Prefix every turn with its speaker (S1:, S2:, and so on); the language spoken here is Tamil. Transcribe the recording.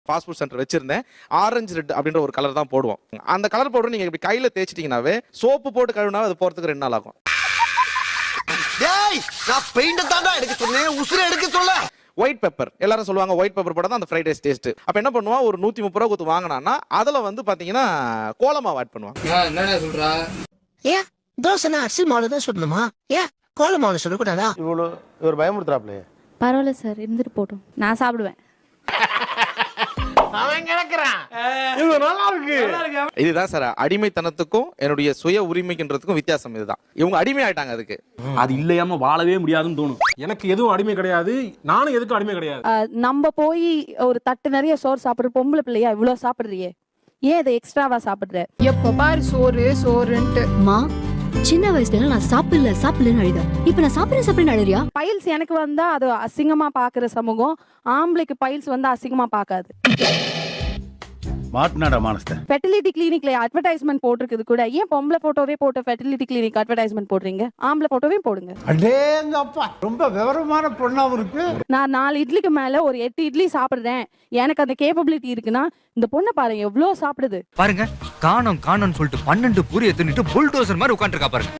S1: ஃபாஸ்ட் ஃபுட் சென்டர் வச்சிருந்தேன். ஆரஞ்சு ரெட் அப்படின்ற ஒரு கலர் தான் போடுவோம். அந்த கலர் பவுடர் நீங்க இப்படி கையில தேய்ச்சிட்டீங்கன்னாவே சோப்பு போட்டு கழுவினா அது போறதுக்கு 2 நாள் ஆகும்.
S2: டேய் நான் பெயிண்ட் தான்டா எடுக்க சொன்னேன், உசுரை எடுக்க சொல்ல.
S1: ஒயிட் பெப்பர் எல்லாரும் சொல்லுவாங்க, ஒயிட் பெப்பர் போட தான் அந்த ஃப்ரைட் ரைஸ் டேஸ்ட். அப்ப என்ன பண்ணுவான், ஒரு 130 ரூபா கொடுத்து வாங்கினான்னா அதுல வந்து பாத்தீங்கன்னா கோலமாவு ஆட் பண்ணுவான்.
S3: என்னடா சொல்றா?
S2: ஏன் தோசைனா அரிசி மாவு தான் சொல்லணுமா? ஏன் கோல மாவு சொல்லக்கூடாதா?
S4: இவர் பயமுறுத்துறாப்ல.
S5: பரவாயில்ல சார், இருந்துட்டு போட்டோம், நான் சாப்பிடுவேன்.
S1: இதுதான் சார் அடிமைத்தனத்துக்கும் என்னுடைய சுய உரிமைக்குன்றதுக்கும் வித்தியாசம். இதுதான் இவங்க அடிமை ஆயிட்டாங்க. அதுக்கு
S6: அது இல்லையாம வாழவே முடியாதுன்னு தோணும்.
S4: எனக்கு எதுவும் அடிமை கிடையாது, நானும் எதுக்கும் அடிமை கிடையாது.
S5: நம்ம போய் ஒரு தட்டு நிறைய சோறு சாப்பிடுற பொம்பளை பிள்ளையா இவ்வளவு சாப்பிடுறியே, ஏன் இதை எக்ஸ்ட்ராவா சாப்பிடுற?
S7: எப்ப பாரு சோறு சோறுன்ட்டு.
S8: மா சின்ன வயசுல நான் சாப்பிடலன்னு அழுத, இப்ப நான் சாப்பிடுறேன் அழுறியா?
S5: பைல்ஸ் எனக்கு வந்தா அது அசிங்கமா பாக்குற சமூகம், ஆம்பளைக்கு பைல்ஸ் வந்து அசிங்கமா பாக்காது.
S6: மாட்டினாடா மானஸ்த.
S5: ஃபெர்டிலிட்டி கிளினிக்ல அட்வர்டைஸ்மெண்ட் போட்டிருக்குது கூட, ஏன் பொம்பளை போட்டோவே போட்டு ஃபெர்டிலிட்டி கிளினிக் அட்வர்டைஸ்மெண்ட் போடுறீங்க? ஆம்பளை போட்டோவே போடுங்க.
S4: அடேங்கப்பா, ரொம்ப விவரமான பொண்ணாவும் இருக்கு.
S5: நான் 4 இட்லிக்கு மேல ஒரு 8 இட்லி சாப்பிடுறேன், எனக்கு அந்த கேப்பபிலிட்டி இருக்குன்னா இந்த பொண்ணை பாருங்க எவ்வளவு சாப்பிடுது
S9: பாருங்க. காணோம் சொல்லிட்டு 12 பூரியை தின்னுட்டு புல்டோசர் மாதிரி உட்காந்துருக்கா பாருங்க.